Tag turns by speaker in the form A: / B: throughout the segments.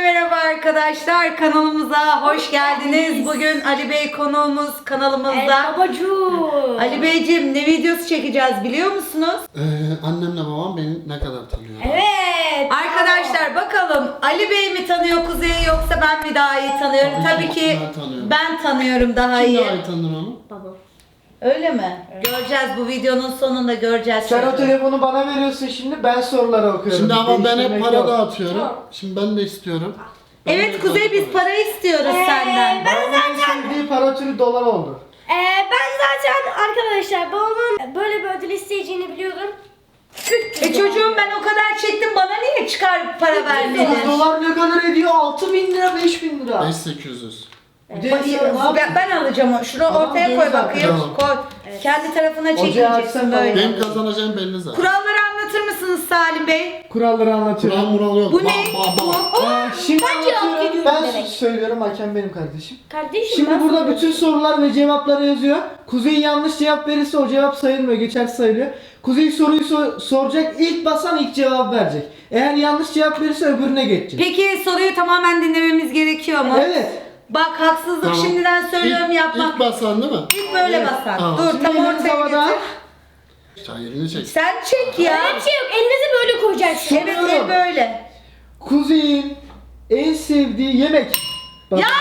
A: merhaba arkadaşlar, kanalımıza hoş geldiniz. Bugün Ali Bey konuğumuz kanalımızda.
B: Babacığım.
A: Ali Beyciğim, ne videosu çekeceğiz biliyor musunuz?
C: Annemle babam beni ne kadar tanıyor?
B: Evet.
A: Arkadaşlar bakalım Ali Bey mi tanıyor Kuzey'i yoksa ben mi daha iyi tanıyorum? Tabii ki
C: ben tanıyorum.
A: ben tanıyorum daha
C: Kim
A: iyi.
C: daha iyi tanır onu?
B: Babam.
A: Öyle mi? Göreceğiz, bu videonun sonunda göreceğiz.
D: Sen o telefonu bana veriyorsun şimdi, ben soruları okuyorum.
C: Şimdi ama ben hep
D: Değiştirmek
C: para
D: yok.
C: dağıtıyorum.
B: Tamam.
C: Şimdi ben de istiyorum. Ben
A: Evet
C: de
A: Kuzey, biz
C: para
A: para istiyoruz senden.
D: Babamın en sevdiği para türü dolar oldu.
B: Ben zaten arkadaşlar babamın böyle bir ödül isteyeceğini biliyordum.
A: Çocuğum, ben o kadar çektim, bana niye çıkar para vermedin?
D: Dolar ne kadar ediyor? 6.000 lira, 5.000 lira.
C: 5800.
D: Bir de sen ne yapıyorsun?
A: Ben alacağım o. Şunu
D: Tamam,
A: ortaya koy
D: deniz
A: bakayım.
C: Tamam.
A: Koy. Kendi tarafına
D: Ocağı
A: çekeceksin
D: açsan
A: böyle.
C: Benim kazanacağım belli zaten.
A: Kuralları anlatır mısınız Salim Bey?
D: Kuralları anlatıyorum.
C: Kural mural yok.
A: Bu ne?
D: Şimdi
B: Ben cevap
D: anlatıyorum.
B: veriyorum
D: Ben
B: demek.
D: söylüyorum, hakem benim kardeşim.
B: Kardeşim
D: Şimdi
B: ben
D: burada
B: sana-
D: bütün sorular ve cevapları yazıyor. Kuzey yanlış cevap verirse o cevap sayılmıyor, geçersiz sayılıyor. Kuzey soruyu soracak, ilk basan ilk cevap verecek. Eğer yanlış cevap verirse öbürüne geçecek.
A: Peki soruyu tamamen dinlememiz gerekiyor mu?
D: Evet.
A: Bak, haksızlık
C: Tamam.
A: şimdiden söylüyorum, yapmak.
C: İlk basan değil mi?
A: İlk böyle
D: Evet.
A: basan.
C: Tamam.
A: Dur,
D: Şimdi
A: tam
D: eliniz
A: ortaya
D: havada.
A: getir.
C: Sen elini çek.
A: Sen çek ya.
B: Öyle bir şey yok. Elinizi böyle koyacaksınız.
A: Evet, el böyle.
D: Kuzey'in en sevdiği yemek. Bak,
A: Ya!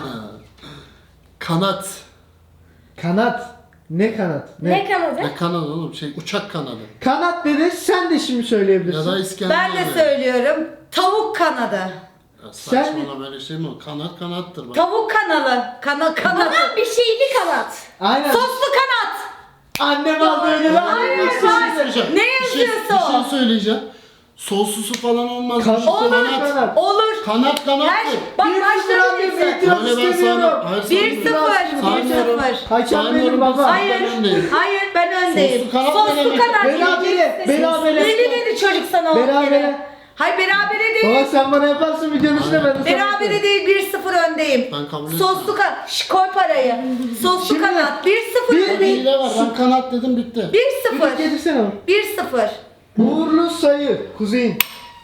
C: Kanat.
D: Kanat. Ne kanat?
B: Ne kanadı?
C: Ne kanat oğlum? Uçak kanadı.
D: Kanat dedi, sen de şimdi söyleyebilirsin.
C: Ya da İskender.
A: Ben de söylüyorum. Tavuk kanadı.
C: Ya saçmalama, böyle şey mi? Kanat kanattır bak.
A: Tavuk kanalı. Kanadı.
B: Bana bir şeyli kanat.
D: Aynen.
A: Soslu kanat.
D: Annem aldı öyle lan.
A: Hayır,
C: Bir şey
A: hayır.
C: söyleyeceğim.
A: Ne
C: Bir
A: yazıyorsa o.
C: şey söyleyeceğim. Soslusu falan olmaz.
D: Kanat.
A: Olur.
D: Kanat.
A: Olur.
C: Kanat
A: Her
C: kanattır.
A: bak,
D: Bir
A: başlarım
D: sıfır
A: diyorsun.
D: İtiraz
C: Öyle ben
D: istemiyorum.
C: sana. Hayır,
A: 1-0.
C: Saymıyorum.
A: 1-0.
D: Hakem
C: Saymıyorum,
D: benim baba.
A: Hayır.
C: Ben öndeyim.
A: Hayır, ben öndeyim.
C: Soslu kanat
A: Soslu
C: denemek.
A: kanat.
D: Berabere,
A: yiyeceksin.
D: berabere.
A: Belli dedi çocuk sana o
D: Berabere.
A: kere. Hayır, berabere değil.
D: Baba sen bana yaparsın videonun üstüne, ben de sana
A: Berabere
D: yaparım.
A: değil, 1-0 öndeyim.
C: Ben kabul
A: Soslu kanat. Koy parayı. Soslu
D: Şimdi-
A: kanat. 1-0
D: Bir-
A: öndeyim.
C: Hile var. Ben kanat dedim, bitti.
A: 1-0.
D: Bir getirsene onu.
A: 1-0.
D: Uğurlu sayı. Kuzey'in.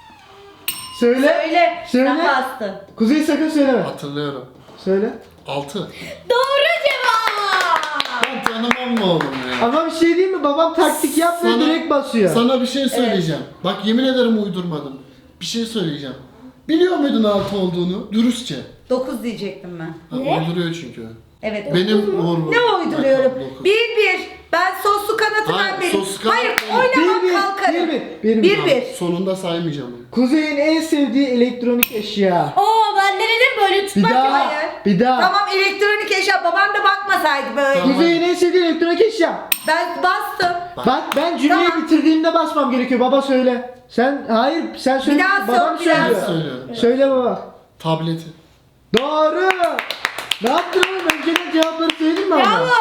D: Söyle.
A: Söyle.
D: Söyle.
A: Sen bastın.
D: Kuzey sakın söyleme.
C: Hatırlıyorum.
D: Söyle.
C: 6.
B: Doğru cevap.
C: Ben tanımam mı oğlum ya?
D: Ama bir şey değil mi? Babam taktik yapmıyor,
C: Sana-
D: direkt basıyor.
C: Sana bir şey söyleyeceğim. Bak, yemin ederim uydurmadım. Bir şey söyleyeceğim. Biliyor muydun 6 olduğunu? Dürüstçe.
A: 9 diyecektim ben.
C: Ha,
B: Ne?
C: uyduruyor çünkü.
A: Evet.
C: Benim uğurlu.
A: Ne uyduruyorum?
C: Dokuz.
A: 1-1. Ben soslu kanatı
C: Hayır,
A: ben benim.
C: soslu kanat
A: Hayır,
C: benim.
A: oynamam,
D: 1-1.
A: kalkarım.
D: 1-1.
A: 1-1.
C: Sonunda saymayacağım onu.
D: Kuzey'in en sevdiği elektronik eşya.
B: Oo ben de dedim böyle
D: Bir
B: tutmak
D: daha.
A: Hayır.
D: Bir daha.
A: Tamam, elektronik eşya. Babam da bakmasaydı böyle.
C: Tamam.
D: Kuzey'in en sevdiği elektronik eşya.
A: Ben bastım.
D: Bak ben cümleyi
A: Tamam.
D: bitirdiğimde basmam gerekiyor. Baba söyle. Sen hayır, sen söyle.
A: daha
D: Babam
A: sor, bir daha
D: söylüyor.
A: sor.
C: Söylüyorum.
D: Söyle baba.
C: Tableti.
D: Doğru. Ne yaptın oğlum? Önceden cevapları söyledin mi ama?
A: Bravo.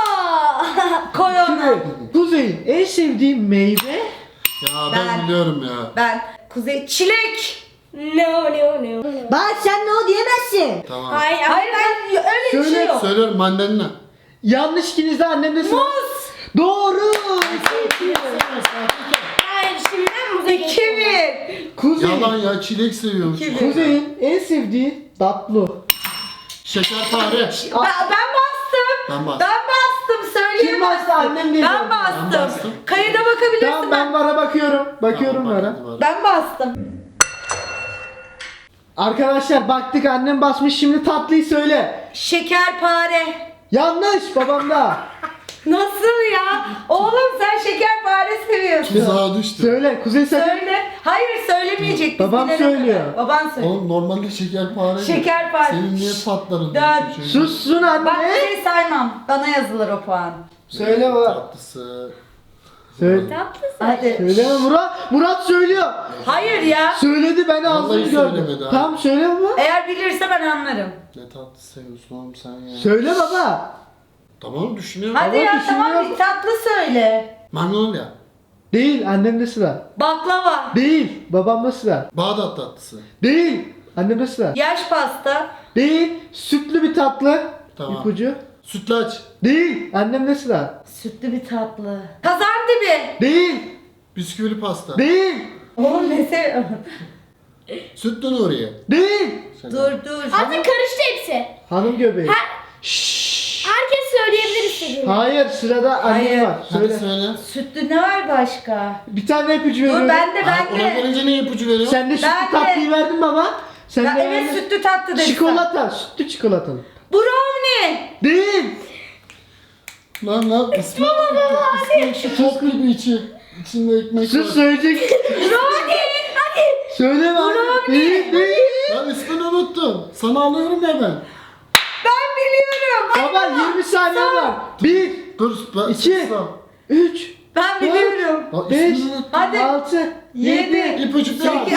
A: Koy onu.
D: Şimdi Kuzey'in en sevdiği meyve.
C: Ya
A: Ben-
C: ben biliyorum ya.
A: Ben Kuzey çilek.
B: No.
D: Bak sen ne o diyemezsin.
C: Tamam.
B: Hayır
A: Hayır, ben öyle bir şey
D: Söyle.
A: yok.
C: Söylüyorum, mandalina.
D: Yanlış ikinizde, annem de sıra.
A: Muz.
D: Doğru.
B: Hayır şimdi ben muza geçiyorum.
A: 2-1.
D: Kuzey.
C: Yalan ya, çilek seviyorum.
A: Kim?
D: Kuzey'in en sevdiği tatlı.
C: Şekerpare.
A: Ben bastım.
C: Ben bastım.
A: Ben bastım. Söyleyemezsin.
D: Kim bastı? Annem değil.
A: Ben bastım.
C: Ben bastım.
A: Kayıda bakabilirsin.
D: Tamam, ben vara bakıyorum. Bakıyorum
C: Tamam,
D: vara.
C: hadi bak.
A: Ben bastım.
D: Arkadaşlar baktık, annem basmış, şimdi tatlıyı söyle.
A: Şekerpare.
D: Yanlış, babam da.
A: Nasıl ya? Oğlum sen şekerpare seviyorsun.
C: Tuzağa düştü.
D: Söyle Kuzey sakın.
A: Söyle. Hayır, söylemeyecek. biz
D: Babam
A: bilene
D: söylüyor.
A: kadar. Baban söylüyor.
C: Oğlum normalde şekerpare.
A: Şekerpare.
C: Senin niye patların?
A: Dön.
D: Sussun anne.
A: Bak, bir şey saymam. Bana yazılır o puan.
D: Söyle baba.
C: Tatlısı.
D: Söyle.
B: Tatlısın.
A: Hadi.
D: Söyle Murat. Murat söylüyor.
A: Hayır ya.
D: Söyledi, ben ağzını
C: Vallahi
D: gördüm.
C: söylemedi ha.
D: Tamam söyle baba.
A: Eğer bilirse ben anlarım.
C: Ne tatlı seviyorsun oğlum sen ya.
D: Söyle baba.
C: Tamam, düşünüyorum.
A: Hadi
D: Ama
A: ya, tamam,
D: düşünüyorum.
A: bir tatlı söyle.
C: Magnolia.
D: Değil, annemde sıra.
A: Baklava.
D: Değil, babamda sıra.
C: Bağdat tatlısı.
D: Değil, annemde sıra.
A: Yaş pasta.
D: Değil, sütlü bir tatlı.
C: Tamam.
D: İpucu.
C: Sütlaç.
D: Değil, annemde sıra.
A: Sütlü bir tatlı. Kazandibi.
D: Değil,
C: Bisküvili pasta.
D: değil.
A: Oğlum ne seviyorsun?
C: Sütlü Nuriye.
D: Değil.
A: Dur.
B: Artık karıştı hepsi.
D: Hanım göbeği.
B: Herkes söyleyebilir istediğini.
D: Hayır sırada anne
A: Hayır.
D: var.
C: Hadi
D: Söyle.
C: söyle.
A: Sütlü ne var başka?
D: Bir tane ipucu veriyorum.
A: Dur ben de.
C: Ona gelince ne ipucu veriyor?
D: Sen de sütlü
A: Ben de.
D: tatlıyı verdin baba. Sen
A: Ya
D: de
A: evet
D: verdin.
A: sütlü tatlı dedim.
D: Çikolata. Sütlü çikolatalı.
A: Brownie.
D: Değil.
C: Lan ismi şu top gibi içi. İçinde ekmek var.
D: Sus söyleyecek.
A: Brownie. Hadi.
D: Söyleme abi. Değil değil.
C: Lan ismini unuttum. Sana alıyorum ya ben.
A: Ben biliyorum. Hadi
D: Baba 20 saniye var. 1,
C: Dur ben
D: 2, 3,
A: Ben biliyorum.
C: Lan
D: 5,
C: ismini unuttum.
A: Hadi.
D: 6, 7.
C: İpucu bir harf.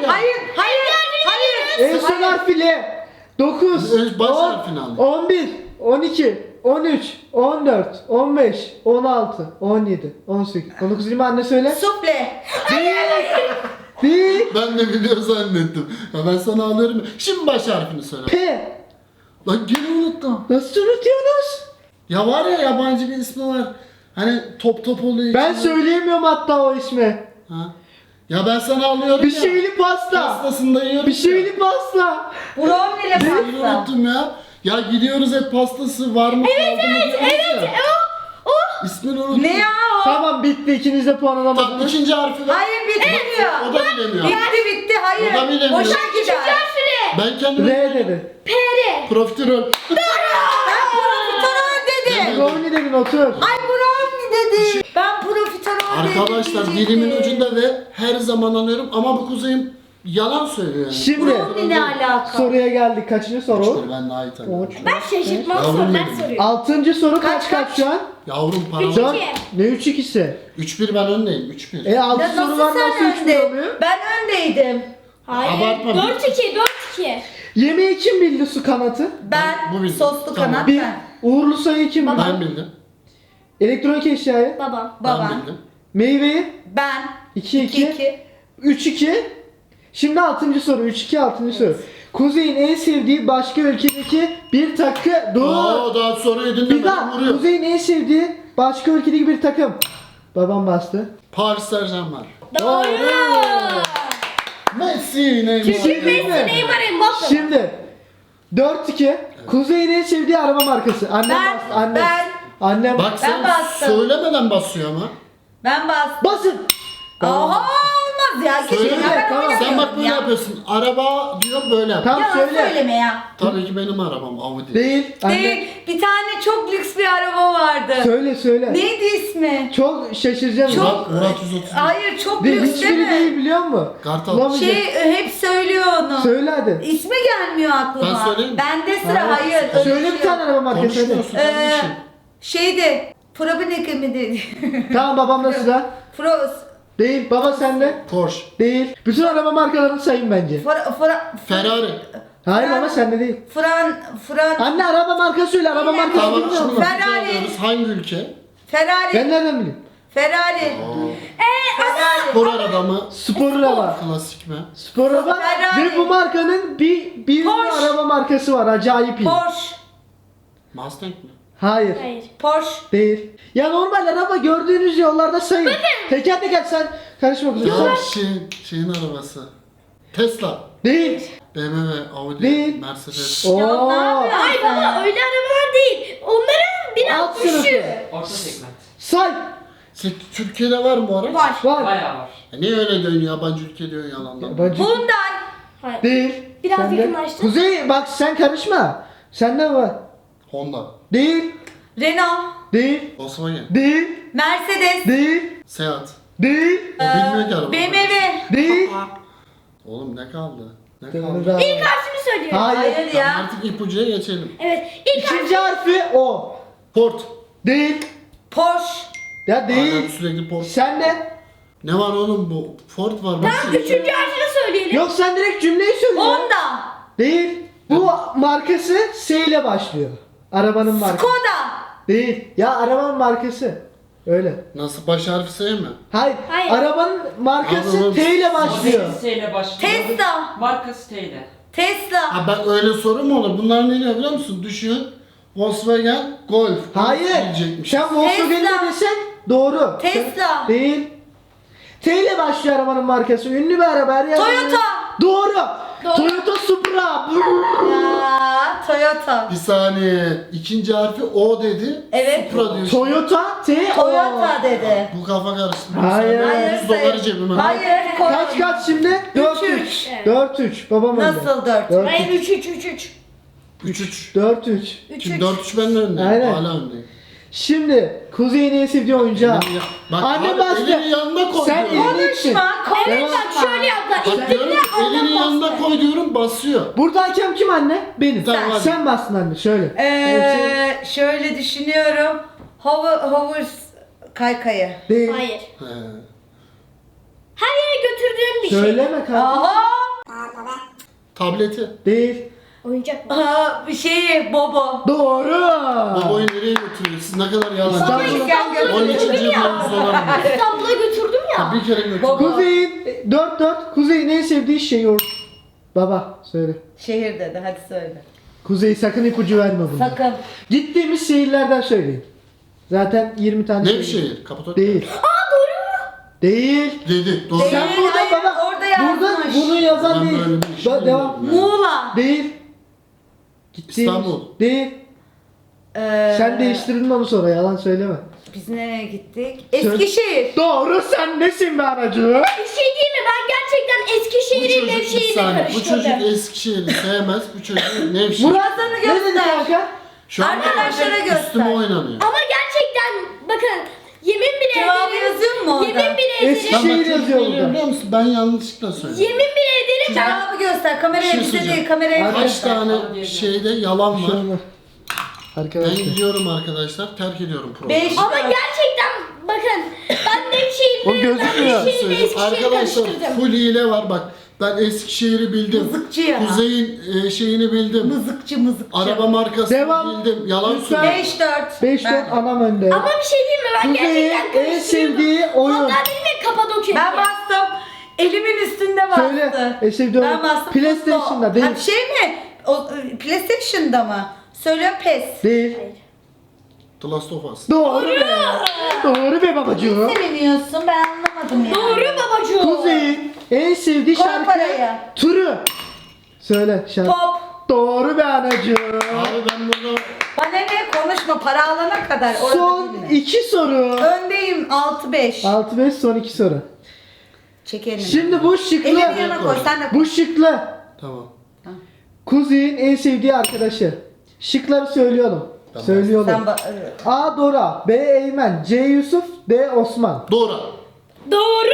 A: Hayır.
D: En son harfiyle 9,
C: Baş
D: 10,
C: harfini al.
D: 11, 12, 13, 14, 15, 16, 17, 18, 19, 20 anne söyle.
A: Sufle.
D: Değil.
C: Ben de biliyor zannettim. Ya ben sana alıyorum. Şimdi baş harfini söyle.
D: P.
C: Lan gene unuttum.
D: Nasıl unutuyorsunuz?
C: Ya var ya yabancı bir ismi var. Hani top oluyor.
D: Ben
C: içinde.
D: söyleyemiyorum hatta o ismi.
C: Ha? Ya ben sana alıyorum
D: Bir
C: ya.
D: şeyli pasta.
C: Pastasında yiyorum.
D: Bir şeyli pasta.
A: Brownie ile
C: Ben
A: pasta.
C: unuttum ya. Ya gidiyoruz hep pastası var mı? Evet. İsmini unuttum.
A: Ne ya o?
D: Tamam bitti ikiniz de puan
C: Tam
D: alamadınız.
C: ikinci harfi ver.
A: Hayır bitmiyor.
C: O da bilemiyor.
A: Bitti hayır.
C: O da bilemiyor.
A: Boşa gider.
C: Ben kendime
D: R dedi.
C: profiterol.
A: Ben profiterol dedim.
D: Brownie dedin otur.
A: Ay brownie dedi. Ben profiterol dedim.
C: Arkadaşlar
A: diyecektim.
C: dilimin ucunda ve her zaman alıyorum ama bu kuzeyim yalan söylüyor yani.
D: Şimdi
A: Brownie ne alaka?
D: soruya geldik. Kaçıncı soru?
C: Üçtür, ben daha iyi tanıyorum.
B: Ben şaşırtmam
C: Yavrum
B: sorular
C: benim.
B: soruyorum.
D: 6. soru
A: Kaç,
D: kaç şu an?
C: Yavrum param.
D: Şu an ne 3-2'si?
C: 3-1 ben öndeyim. 3-1.
D: 6
A: Ya
D: soru
A: nasıl
D: var
A: sen
D: nasıl 3
A: önde?
D: oluyor?
A: Ben öndeydim.
B: Hayır.
C: Abartma.
B: 4-2, 4-2.
D: Yemeği kim bildi su kanatı?
C: Bu bildim.
A: Soslu
C: Tamam.
A: kanat
D: Bir.
A: ben.
D: Uğurlu sayı kim bildi?
C: Ben bildim.
D: Elektronik eşyayı?
B: Babam.
A: Babam.
C: Ben bildim.
D: Meyveyi?
A: Ben.
D: 2-2. 3-2. Şimdi 6. soru. 3-2 6. soru. Kuzey'in en sevdiği başka ülkedeki bir takım. Dur.
C: Oo daha soruyu
D: Bir
C: dinlemedim
D: daha.
C: vuruyor.
D: Kuzey'in en sevdiği başka ülkedeki bir takım. Babam bastı.
C: Paris Saint-Germain.
B: Doğru.
C: Messi, Neymar.
B: Çünkü Messi, Neymar, Mbappe.
D: Şimdi 4-2. Kuzey'in en sevdiği araba markası. Annem
A: Ben,
D: bastı. Annem.
A: ben.
D: Annem.
C: Bak sen
A: bastım.
C: söylemeden basıyor ama.
A: Ben bastım.
D: Basın.
A: Oha olmaz ya.
C: Söyle.
A: Kesin. Ya, ben
D: Tamam.
A: oynamıyorum
C: Sen bak böyle
A: ya.
C: yapıyorsun. Araba diyor böyle yap.
D: Tamam
A: Yalan
D: söyle.
A: söyleme ya.
C: Tabii ki benim arabam Audi.
D: Değil. Anne.
A: Değil. Bir tane çok lüks bir araba vardı.
D: Söyle söyle.
A: Neydi ismi?
D: Çok şaşıracağım.
A: Çok-
C: Murat 130.
A: Hayır çok
D: Değil,
A: lüks değil
D: hiçbiri değil
A: mi?
D: biliyor musun?
C: Kartal.
D: Bulamayacak.
A: Hep söylüyor onu.
D: Söyle hadi.
A: İsmi gelmiyor aklıma.
C: Ben söyleyeyim mi?
A: Bende sıra hayır. öyle
D: Söyle
A: şey
D: bir tane
A: yok.
D: araba markası hadi.
C: Konuşmuyorsun kardeşim.
A: Şeydi. Probineke mi dedi?
D: Tamam babamda sıra.
A: Froz.
D: Değil. Baba sende.
C: Porsche.
D: Değil. Bütün araba markalarını sayın bence.
C: Ferrari.
D: Hayır baba sende değil.
A: Fran.
D: Anne araba markası söyle. Araba markası
C: Tamam
D: bilmiyor
C: şimdi
D: musun?
A: Ferrari.
C: alıyoruz. Hangi ülke?
A: Ferrari.
D: Ben nereden bileyim?
A: Ferrari. Ferrari.
C: Spor araba mı?
D: Spor araba.
C: Klasik mi?
D: Spor araba.
A: Ferrari.
D: Ve bu markanın bir
A: Porsche.
D: araba markası var. Acayip iyi.
A: Porsche.
C: Mustang mi?
D: Hayır.
B: Hayır.
A: Porsche.
D: Değil. Ya normal araba gördüğünüz yollarda sayın. Teker teker sen karışma kızım.
C: Ya
D: Say.
C: şeyin arabası. Tesla.
D: Değil.
C: BMW, Audi,
D: Değil.
C: Mercedes.
D: Oo.
A: Ya ne yapıyorsun?
B: Ay baba öyle arabalar değil. Onların biraz
D: Alt sınıfı.
B: düşüğü.
E: Orta segment.
D: Say.
C: Türkiye'de var mı bu araç?
B: Var.
D: Var.
E: Bayağı var.
C: Niye öyle diyorsun yabancı ülke diyorsun yalandan?
D: Yabancı.
A: Hyundai.
B: Hayır.
D: Değil.
B: Biraz
D: Sende.
B: yakınlaştı.
D: Kuzey bak sen karışma. Sende var.
C: Honda,
D: Değil.
A: Renault.
D: Değil.
C: Volkswagen,
D: Değil.
A: Mercedes.
D: Değil.
C: Seat.
D: Değil.
C: O bilmiyor ki araba.
A: BMW.
D: Değil.
C: Oğlum ne kaldı? Ne
D: Değil.
C: kaldı?
B: İlk harfini söylüyorum.
D: Hayır.
A: Hayır
C: Tamam,
A: ya.
C: artık ipucuya geçelim.
B: Evet. İlk
D: İkinci harfi o.
C: Ford.
D: Değil.
A: Porsche.
D: Ya
C: Hala
D: değil.
C: sürekli Ford.
D: Sen de.
C: Ne var oğlum bu? Ford var. Nasıl?
B: üçüncü harfini söyleyelim.
D: Yok sen direkt cümleyi söyle.
A: Honda.
D: Değil. Bu markası S ile başlıyor. Arabanın markası.
A: Skoda.
D: Değil. Ya arabanın markası. Öyle.
C: Nasıl baş harfi S mi?
D: Hayır.
B: Hayır.
D: Arabanın markası
C: Anladım.
D: T ile başlıyor.
E: Modeli S ile başlıyor.
A: Tesla.
E: Markası T ile.
A: Tesla.
C: Ha ben öyle soru mu olur? Bunlar ne diyor biliyor musun? Düşün. Volkswagen Golf.
D: Hayır.
C: Diyecekmiş.
D: Sen Volkswagen'i
A: Tesla.
D: desen doğru.
A: Tesla.
D: Değil. T ile başlıyor arabanın markası. Ünlü bir araba. Her yerde-
A: Toyota.
D: Doğru.
B: Doğru.
D: Toyota Supra.
A: Ya Toyota.
C: Bir saniye. İkinci harfi O dedi.
A: Evet.
C: Supra diyor.
D: Toyota T.
A: Toyota dedi.
C: Bu kafa karıştı.
D: Hayır.
A: Hayır,
C: 100 doları cebime.
A: Hayır.
D: Kaç kaç şimdi? 4-3. 4-3. Babam önde.
A: Nasıl 4?
D: 4-3.
B: Hayır 3-3-3-3.
C: 3-3.
D: 4-3.
C: Şimdi 4-3 ben de öndeyim.
D: Aynen.
C: Hala öndeyim.
D: Şimdi Kuzey'in en sevdiği oyuncağı.
C: Bak
D: Anne
C: abi,
D: bastı.
C: elini yanına koy
D: Sen
C: diyorum.
D: elini için.
A: Konuşma.
B: Evet
A: Konuşma.
B: bak şöyle yaptılar.
C: Bak diyorum ki, elini yanına koy diyorum basıyor.
D: Burada hakem kim anne? Benim.
C: Tamam, hadi.
D: Sen bastın anne şöyle.
A: Şöyle düşünüyorum. Hover kaykayı.
D: Değil.
B: Hayır.
C: He.
B: Her yere götürdüğüm bir şey.
D: Söyleme kardeşim.
A: Aha.
C: Tableti.
D: Değil.
B: Oyuncak mı?
A: Aha, bir şey Bobo.
D: Doğru.
C: Babayı nereye götürüyor? Siz ne kadar yalancı.
D: İstanbul'a
C: Onun için cebime 100 dolar mı?
B: İstanbul'a götürdüm ya.
C: Bir kere götür.
A: Baba.
D: Kuzey'in 4-4. Kuzey'in en sevdiği şey yoğurt. Baba söyle.
A: Şehir dedi, hadi söyle.
D: Kuzey sakın ipucu verme buna.
A: Sakın.
D: Gittiğimiz şehirlerden söyleyin. Zaten 20 tane
C: Ne bir
D: şehir.
C: şehir? Kapatok.
D: Değil. Değil.
C: Dedi. Doğru.
A: Değil.
D: Sen burada
A: hayır,
D: baba.
A: orada yazmış.
D: Bunu yazan
C: Ben
D: değil.
C: böyle bir şey
D: Devam.
C: bilmiyorum.
A: Muğla.
D: Değil. Gittiğimiz.
C: İstanbul.
D: Değil. Sen değiştirdin onu sonra yalan söyleme.
A: Biz nereye gittik? Eskişehir.
D: Doğru sen nesin be aracı?
B: Bir şey değil mi? Ben gerçekten
C: Bu
B: Eskişehir'in
C: çocuk bir
B: Nevşehir'le
C: saniye. Bu çocuk
B: karıştırdım.
C: Eskişehir'i sevmez. Bu çocuk Nevşehir.
A: Murat'ını
D: Ne dedi
A: göster.
D: kanka?
C: Şu an
A: Arkadaşlara göster.
C: üstüme oynanıyor.
B: Ama gerçekten bakın yemin bile
A: Cevabı
B: ederim.
A: yazıyor mu orada?
B: Yemin bile ederim.
D: Eskişehir
C: Şehir
D: yazıyor burada.
C: biliyor musun? Ben yanlışlıkla söyledim.
B: Yemin bile ederim. Ben
A: Cevabı göster. Kameraya
C: Bir şey
A: bize
C: söyleyeceğim.
A: değil, kameraya
D: Hadi.
C: Kaç
A: göster.
C: tane şeyde yalan
D: Bir şey
C: var.
D: olmaz.
C: Ben
D: Arkadaşlar.
C: gidiyorum arkadaşlar. Terk ediyorum programı.
A: 5
B: ama gerçekten bakın ben
D: O
B: Nevşehir'le
D: gözükmüyor.
B: Nevşehir'le Eskişehir'i
C: Arkadaşlar
B: karıştırdım.
C: full hile var bak. Ben Eskişehir'i bildim.
A: Mızıkçı ya.
C: Kuzey'in şeyini bildim.
A: Mızıkçı.
C: Araba markasını
D: Devam.
C: bildim. Yalan
D: Lütfen.
C: söylüyorum.
A: 5-4.
D: 5-4 anam önde.
B: Ama bir şey değil mi? Ben
D: Kuzey'in
B: gerçekten
D: en
B: karıştırdım.
D: sevdiği oyun.
B: Hatta benim de Kapadokya.
A: Ben bastım. Elimin üstünde bastı.
D: Söyle. En sevdiği oyun.
A: Ben bastım.
D: PlayStation'da değil.
A: Ha, bir şey mi? PlayStation'da mı? Söylüyorum PES.
D: Değil.
C: The Last of Us.
D: Doğru be. Doğru be babacığım.
A: Seviniyorsun, ben anlamadım yani.
B: Doğru babacığım.
D: Kuzey'in en sevdiği
A: Koy
D: şarkı
A: parayı.
D: türü. Söyle şarkı.
A: Pop.
D: Doğru be anacığım.
C: Abi ben burada
A: Bana ne, konuşma, para alana kadar. Orada
D: Son
A: değilim.
D: 2 soru.
A: Öndeyim 6-5.
D: 6-5 son 2 soru.
A: Çekelim.
D: Şimdi bu şıklı.
A: Elini yana koy, sen de koy.
D: Bu şıklı.
C: tamam.
D: Kuzey'in en sevdiği arkadaşı. Şıkları söylüyorum.
C: Tamam.
D: Söylüyorum.
A: Sen
D: A. Dora, B. Eymen, C. Yusuf, D. Osman.
C: Doğru.
B: Doğru.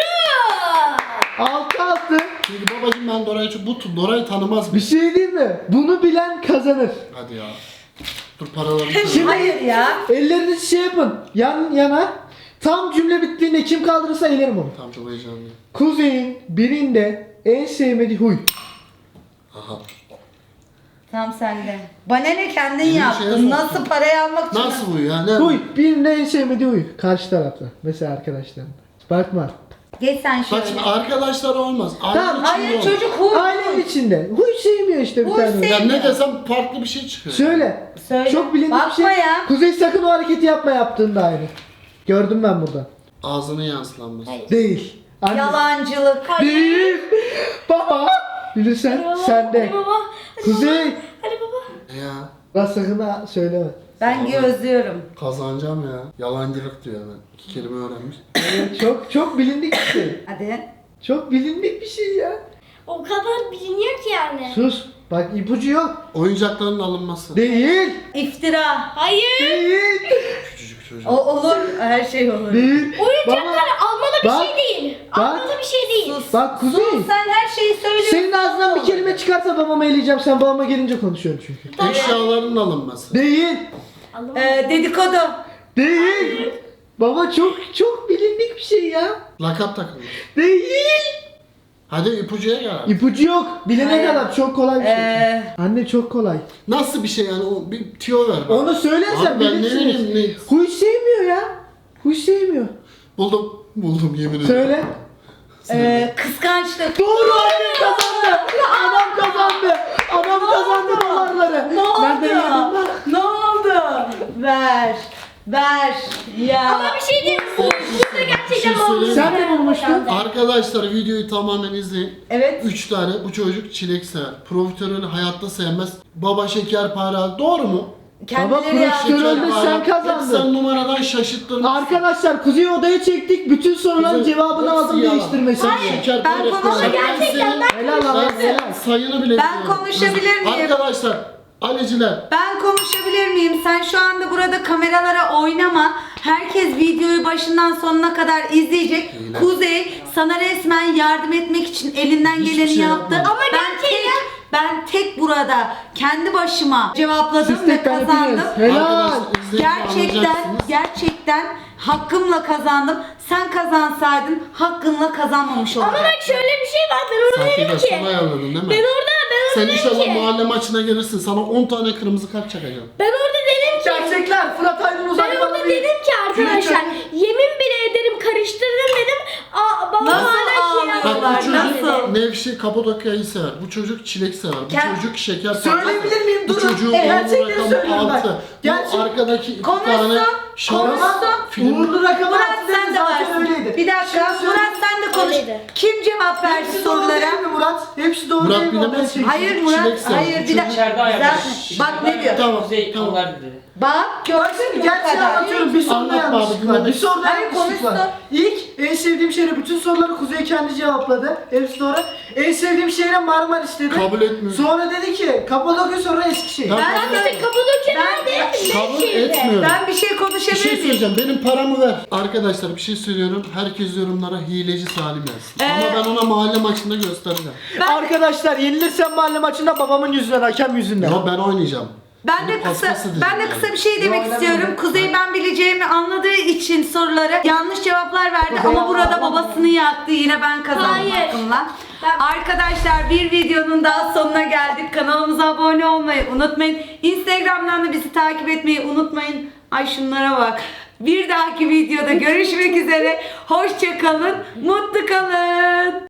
D: 6-6.
C: Çünkü babacım ben Dora'yı Dora'yı tanımaz
D: Bir
C: mı?
D: şey değil mi? Bunu bilen kazanır.
C: Hadi ya. Dur paralarını söyle.
D: Şimdi
A: Hayır ya.
D: ellerinizi şey yapın. Yan yana. Tam cümle bittiğinde kim kaldırırsa elerim onu.
C: Tam çok heyecanlıyım.
D: Kuzey'in birinde en sevmediği huy.
C: Aha.
A: Tam sende. Bana ne, kendin
C: Elini şeye
A: yaptın.
C: soktun.
A: Nasıl parayı almak için?
C: Nasıl bu ya? Ne?
D: Huy. Birinde en sevmediği huy. Karşı tarafta. Mesela arkadaşlarında. Bakma.
A: Geç sen şöyle.
C: Bak şimdi arkadaşlar olmaz. Aile
D: Tamam,
C: içinde
A: Hayır
C: olur.
A: çocuk huy.
D: Ailenin içinde. Huy sevmiyor işte bir
A: Huy
D: tane.
A: sevmiyor.
C: Ya ne desem farklı bir şey çıkıyor.
D: Söyle.
A: Söyle.
D: Çok bilindik bir
A: Bakma
D: şey.
A: ya.
D: Kuzey sakın o hareketi yapma yaptığında aynı. Gördüm ben burada.
C: Ağzının yansılanması.
B: Hayır.
D: Değil. Anne.
A: Yalancılık.
D: Değil. Baba. Bilirsen
B: Hadi
D: sende.
B: baba. Hadi
D: Kuzey.
B: baba. Hadi baba.
C: Ya
D: Bak sakın ha söyleme.
A: Ben gözlüyorum.
C: kazanacağım ya. Yalancılık diyor hemen. 2 kelime öğrenmiş.
D: Evet, çok bilindik bir şey.
A: Hadi.
D: Çok bilindik bir şey ya.
B: O kadar biliniyor ki yani.
D: Sus. Bak ipucu yok.
C: Oyuncakların alınması.
D: Değil.
A: İftira.
B: Hayır.
D: Değil.
C: Küçücük çocuk.
A: O olur. Her şey olur.
D: Değil.
B: Oyuncaklar almalı bir
D: bak,
B: şey değil.
D: bak.
B: Almalı bir şey değil.
A: Sus.
D: Bak Kuzey.
A: Sen her şeyi söylüyorsun.
D: Senin ağzından bir kelime çıkarsa babama eleyeceğim. Sen babama gelince konuşuyorsun çünkü.
C: Eşyaların alınması.
D: Değil.
B: Almalı.
A: Dedikodu.
D: Değil. Baba çok bilindik bir şey ya.
C: Lakap takılması.
D: Değil.
C: Hadi ipucuya gel.
D: İpucu yok. Bilene
A: Hayır.
D: kadar çok kolay bir şey.
A: Ee,
D: Anne çok kolay.
C: Nasıl bir şey yani? O bir tüyo ver bana.
D: Onu söylersen
C: Abi ben ne
D: bilirsiniz.
C: bileyim
D: Huy sevmiyor ya. Huy sevmiyor.
C: Buldum yemin ederim.
D: Söyle.
A: kıskançlık.
D: Doğru annem kazandı. Adam kazandı. Adam kazandı dolarları.
A: Ne oldu?
D: Nereden yedin lan?
A: Ne oldu? Ver. Ver. Ya.
B: Ama bir şey diyeyim. Burada gerçekten
C: Bir şey söyleyeyim
D: Sen de bulmuştun.
C: Arkadaşlar videoyu tamamen izleyin.
A: Evet.
C: 3 tane bu çocuk çilek sever. Profiterolü hayatta sevmez. Baba şekerpare al. Doğru mu?
A: Kendileri ya.
D: profiterol- sen kazandın.
C: Sen numaradan şaşırttırmışsın.
D: Arkadaşlar Kuzey'i odaya çektik. Bütün soruların
C: Kuzey,
D: cevabını
C: hepsi
D: aldım
C: yalan.
D: değiştirmesini.
C: Şekerpare
A: Ben konuşamam.
C: falan.
B: Gerçekten ben
D: Helal lan.
C: Ben sayını bile
A: Ben
C: biliyorum.
A: konuşabilir miyim?
C: Arkadaşlar, Aleciler.
A: Ben konuşabilir miyim? Sen şu anda burada kameralara oynama. Herkes videoyu başından sonuna kadar izleyecek.
C: Öyle.
A: Kuzey sana resmen yardım etmek için elinden
C: Hiçbir
A: geleni
C: şey
A: yaptı.
C: yapmadım.
A: Ama ben tek burada kendi başıma cevapladım
D: Siz
A: ve
D: tek verdiniz.
A: kazandım.
D: Helal.
C: Arkadaşlar, izleyip anlayacaksınız.
A: Gerçekten hakkımla kazandım. Sen kazansaydın hakkınla kazanmamış
B: Ama
A: olacaktın.
B: bak şöyle bir şey var. Ben orada
C: Sahte
B: dedim
C: de
B: ki.
C: sana ayarladın değil mi?
B: Ben orada
C: Sen
B: dedim
C: inşallah
B: ki.
C: mahalle maçına gelirsin. Sana 10 tane kırmızı kart çakacağım.
B: Ben orada dedim ki.
D: Gerçekler Fırat Aydın
B: Ben
D: uzak
B: orada dedim ki arkadaşlar. Yemin bile ederim karıştırdım dedim. Aa, baba
A: Nasıl
B: hala şey
A: ağlıyorlar?
C: Bak
B: yapıyor.
C: bu çocuk
A: Nasıl?
C: Nevşehir Kapadokya'yı sever. Bu çocuk çilek sever. Bu
A: Kend-
C: çocuk şeker
D: Söyleyebilir miyim?
C: Bu
D: Durun.
C: çocuğun
D: Gerçekleri
C: uğurlu rakamı
D: söylüyorum bak.
C: 6.
D: Gerçek-
C: Bu arkadaki 2
A: Konuşsun,
C: tane şans
A: konuşsun.
C: film.
D: Uğurlu rakamı
A: Murat
D: attı
A: sen de
D: zaten
A: varsın.
D: öyleydi.
A: Bir dakika
D: Şimdi
A: Murat sen de konuş.
B: Öyleydi.
A: Kim cevap verdi
D: Hepsi doğru
A: sorulara?
D: değil mi Murat? Hepsi doğru
C: Murat
D: değil mi?
C: bilemez.
D: Odaya çektik.
A: Hayır Murat,
C: Çilek sever.
A: hayır bir dakika.
E: İçeride ayarlamış.
A: Bak ne diyor?
C: Tamam,
E: Kuzey
C: tamam.
E: onlar dedi.
A: Bak gördün
D: Şimdi
A: mü bu
D: gerçeği
A: kadar?
D: anlatıyorum. Bir soruda
C: Anlat
D: yanlışlık
C: bari,
D: var. Bir soruda
A: Hayır,
D: yanlışlık var.
A: konuştu.
D: İlk en sevdiğim şehre bütün soruları Kuzey kendi cevapladı. Hepsi doğru. En sevdiğim şehre Marmaris dedi.
C: Kabul etmiyorum.
D: Sonra dedi ki Kapadokya sonra Eskişehir.
C: Tamam.
B: Ben de Kapadokya
A: Ben-
B: nerede?
C: Kabul
B: Nevşehir'de.
C: etmiyorum.
A: Ben bir şey
C: Bir
A: konuşabilir
C: şey
A: miyim?
C: söyleyeceğim. Benim paramı ver. Arkadaşlar bir şey söylüyorum. Herkes yorumlara hileci Salim yazsın. Ama ben ona mahalle maçında göstereceğim.
D: Arkadaşlar yenilirsem mahalle maçında babamın yüzünden, hakem yüzünden.
C: Ya ben oynayacağım.
A: Ben de
C: Bunu
A: kısa
C: paspas edeceğim
A: ben de
C: yani.
A: kısa bir şey demek
D: Yo,
A: istiyorum.
D: oynamıyorum.
A: Kuzey ben bileceğimi anladığı için soruları yanlış cevaplar verdi
D: Kuzey
A: ama burada
D: yapma.
A: babasını yaktı. Yine ben kazandım
B: Hayır.
A: hakkımla. Arkadaşlar bir videonun daha sonuna geldik. Kanalımıza abone olmayı unutmayın. Instagram'dan da bizi takip etmeyi unutmayın. Ay şunlara bak. Bir dahaki videoda görüşmek üzere. Hoşça kalın, mutlu kalın.